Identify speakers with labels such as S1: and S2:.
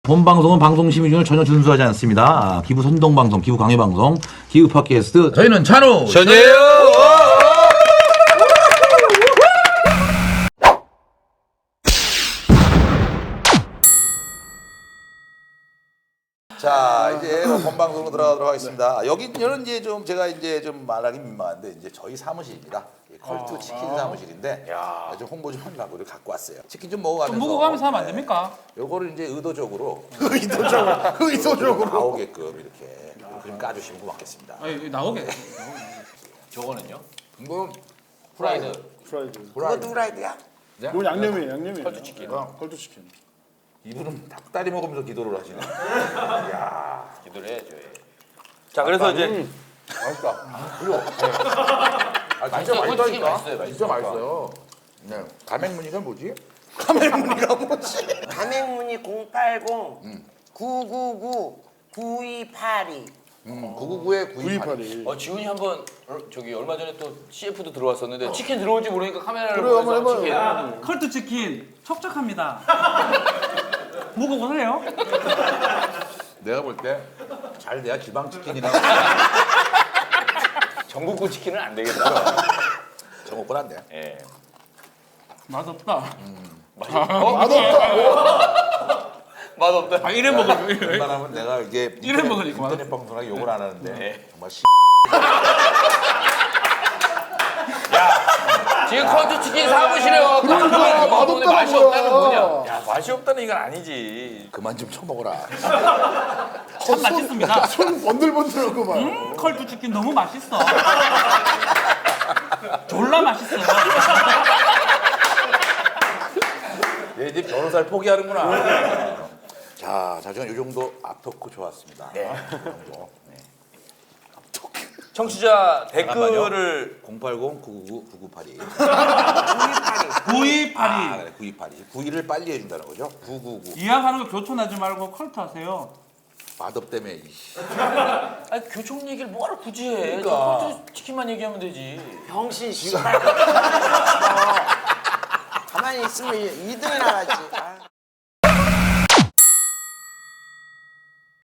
S1: 본 방송은 방송 심의 준을 전혀 준수하지 않습니다. 기부 선동 방송, 기부 강요 방송, 기부 팟캐스트. 저희는 찬우
S2: 전예요.
S3: 자, 이제 본 방송으로 들어가도록 하겠습니다. 여기는 이제 좀 제가 이제 좀 말하기 민망한데 이제 저희 사무실입니다. 컬투 치킨 사무실인데 좀 홍보 좀 하려고 이렇게 갖고 왔어요. 치킨 좀 먹어가면서.
S4: 좀 먹어가면서 하면 안 됩니까?
S3: 요거를 이제 의도적으로
S2: 의도적으로
S3: 나오게끔 이렇게 좀 까주시면 고맙겠습니다.
S4: 아니, 나오게.
S2: 저거는요?
S3: 이건
S2: 프라이드.
S3: 그것도 후라이드야?
S5: 이건 양념이에요, 양념이에요.
S2: 컬투치킨.
S5: 컬투치킨.
S3: 이분은 닭다리 먹으면서 기도를 하시네.
S2: 기도를 해야죠. 예. 자, 그래서 이제
S3: 맛있다. 그리고
S2: 맛있어요. 컬투치킨 맛있어요.
S3: 진짜 맛있어요. 네. 가맹문이가 뭐지?
S6: 가맹문이 080 999 9282
S3: 999에
S5: 9282.
S2: 지훈이 한번 저기 얼마 전에 또 CF도 들어왔었는데 치킨 들어올지 모르니까 카메라를
S3: 그래요, 한번
S2: 보면서
S3: 해봐요.
S2: 치킨.
S4: 컬트 치킨 촉촉합니다. 먹어보세요.
S3: 내가 볼 때 잘 돼야 지방치킨이나
S2: 전국구 치킨은 안 되겠다.
S3: 저거 건 안 돼.
S2: 예.
S4: 맛없다.
S2: 맛없다.
S4: 아, 이래 먹으면.
S3: 웬만하면 내가 이게
S4: 이래 먹으니까
S3: 인터넷 방송하기 욕을 안 하는데
S2: 네.
S3: 정말 씨.
S2: 지금 컬투치킨 사무실에 와서 맛없다는 맛이 없다는 뭐냐? 야, 맛이 없다는 이건 아니지.
S3: 그만 좀 쳐먹어라.
S4: 참 맛있습니다.
S5: 손 번들번들하고 막.
S4: 컬트 치킨 너무 맛있어. 졸라 맛있어.
S3: 얘 이제 변호사를 포기하는구나. 자, 저는 이 정도 앞토크 좋았습니다. 네.
S2: 청취자 댓글을
S3: 080-999-9982.
S4: 9282.
S3: 그래, 9282. 92를 빨리 해준다는 거죠? 999.
S4: 이야기하는 거 교촌하지 말고 컬트 하세요.
S3: 맛없 때문에 이씨.
S2: 아니 교촌 얘기를 뭐하러 굳이 해?
S3: 그러니까.
S2: 컬투치킨만 얘기하면 되지.
S6: 병신 씨발 가만히 있으면 2등이나 하지.